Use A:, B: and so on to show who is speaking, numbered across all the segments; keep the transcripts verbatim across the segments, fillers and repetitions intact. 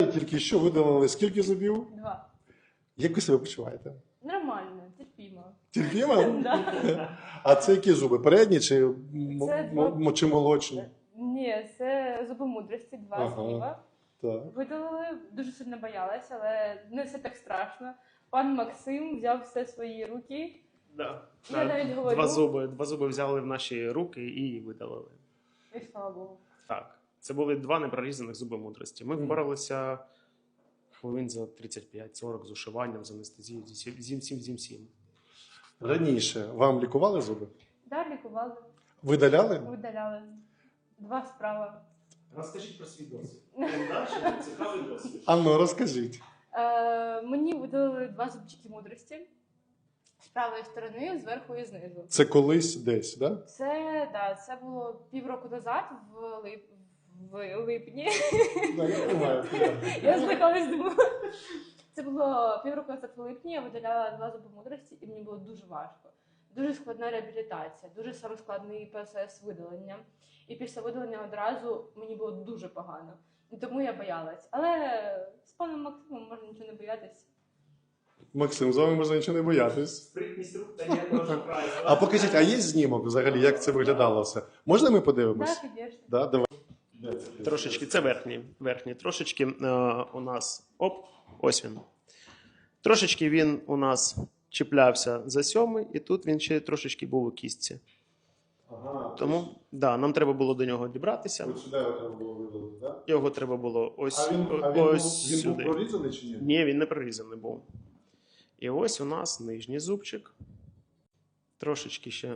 A: Тільки що видалили скільки зубів?
B: Два.
A: Як ви себе почуваєте?
B: Нормально, терпімо.
A: Терпімо?
B: Да.
A: А це які зуби? Передні чи, м-
B: Це
A: м- м- чи молодші?
B: Ні, це зуби мудрості, два
A: Ага.
B: зліва.
A: Так.
B: Видалили, дуже сильно боялась, але не все так страшно. Пан Максим взяв все в свої руки.
C: Да.
B: Я
C: Так,
B: навіть говорю.
C: Два зуби, два зуби взяли в наші руки і видалили.
B: І слава Богу.
C: Так. Це були два непрорізаних зуби мудрості. Ми
A: Мгм.
C: впоралися хвилин за тридцять п'ять сорок з ушиванням, з анестезією, зі всім, зі всім, зі всім.
A: Раніше вам лікували зуби?
B: Да, лікували,
A: Видаляли?
B: видаляли. Два справа.
C: Розкажіть про свій досвід. Цікавий досвід.
A: А ну, розкажіть.
B: Е, мені видалили два зубчики мудрості. З правої сторони, зверху і знизу.
A: Це колись десь, да?
B: Це, да, це було півроку назад, в, лип, в липні.
A: Да, я понимаю.
B: Я злякалась, думала. Це було півроку назад в липні, я видаляла два зуби мудрості, і мені було дуже важко. Дуже складна реабілітація, дуже саме складний процес видалення. І після видалення одразу мені було дуже погано. І тому я боялась. Але з паном Максимом можна нічого не боятись.
A: Максим, з вами можна нічого не боятись.
C: Спритність рук та ніякого прайсу.
A: А покажіть, а є знімок взагалі, як це виглядало все? Можна ми подивимось?
B: Так, звісно.
A: Да, давай.
C: Трошечки, це верхній. Верхній. Трошечки е, у нас. Оп, ось він. Трошечки він у нас чіплявся за сьомий, і тут він ще трошечки був у кістці.
A: Ага.
C: Тому да, нам треба було до нього дібратися.
A: Ось сюди його треба було видалити, так?
C: Його треба було ось,
A: А він, а він,
C: ось
A: був, він
C: сюди.
A: був прорізаний чи ні?
C: Ні, він не прорізаний був. І ось у нас нижній зубчик. Трошечки ще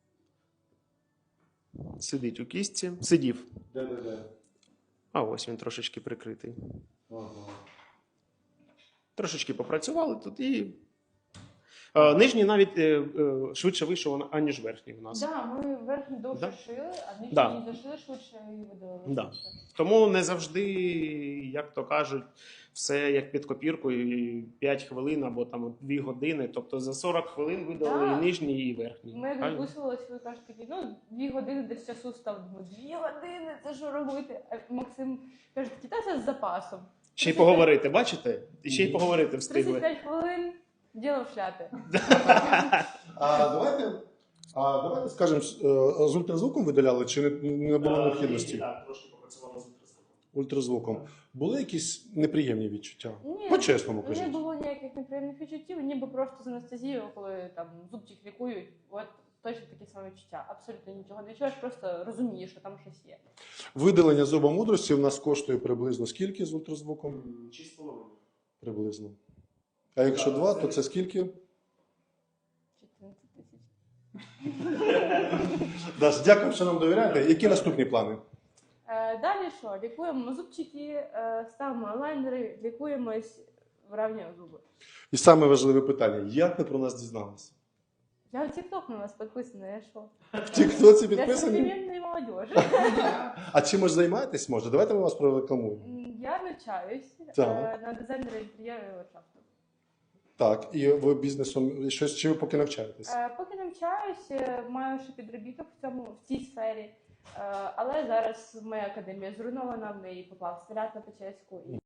C: сидить у кістці. Сидів.
A: Де-де-де.
C: А ось він трошечки прикритий.
A: Ага.
C: Трошечки попрацювали тут і. Е, нижній навіть е, е, швидше вийшов, аніж верхній у нас.
B: Да, ми верхню довше
C: Да.
B: шили, а нижню
C: Да.
B: не зашили швидше і видалили
C: Да.
B: швидше.
C: Тому не завжди, як то кажуть, все як під копіркою, п'ять хвилин або там дві години. Тобто за сорок хвилин видали
B: Да.
C: і нижній, і верхній.
B: Ми як
C: Правильно?
B: записувалися, ви кажете такі, ну, дві години десь часу став. Думаю, дві години, це що робити? А Максим каже, такі, та це з запасом.
C: Ще й поговорити, бачите? І ще й поговорити встигли.
B: тридцять п'ять хвилин, діло в шляпі.
A: А давайте, а давайте скажемо, з ультразвуком видаляли чи не, не було необхідності?
C: Так, трошки попрацювали з ультразвуком.
A: Ультразвуком. Були якісь неприємні відчуття?
B: Ні,
A: По-чесному
B: не
A: кажіть.
B: було ніяких неприємних відчуттів, ніби просто з анестезією, коли там зубчик лікують, от точно такі самі відчуття. Абсолютно нічого не відчуваєш, просто розумієш, що там щось є.
A: Видалення зуба мудрості в нас коштує приблизно скільки з ультразвуком?
C: Шість з половиною.
A: Приблизно. А якщо два, то це скільки?
B: чотирнадцять тисяч.
A: Даш, дякую, що нам довіряєте. Які наступні плани?
B: Е, Далі що? Лікуємо зубчики, е, ставимо лайнери, лікуємось, вирівнюємо зуби.
A: І саме важливе питання: як ви про нас дізналися?
B: Я в TikTok на вас підписана, я що?
A: В Тіктоці
B: Для
A: підписані?
B: современної молодежі.
A: А чимось займаєтесь, може? Давайте ми вас прорекламуємо.
B: М, Я навчаюсь е,
A: Так.
B: на дизайнера інтер'єру і ландшафту.
A: Так, і ви бізнесом щось чи ви поки навчаєтесь?
B: Е, Поки навчаюсь, е, маю ще підробіток в цьому в цій сфері, Е, але зараз моя академія зруйнована, в неї попав снаряд на Печерську. І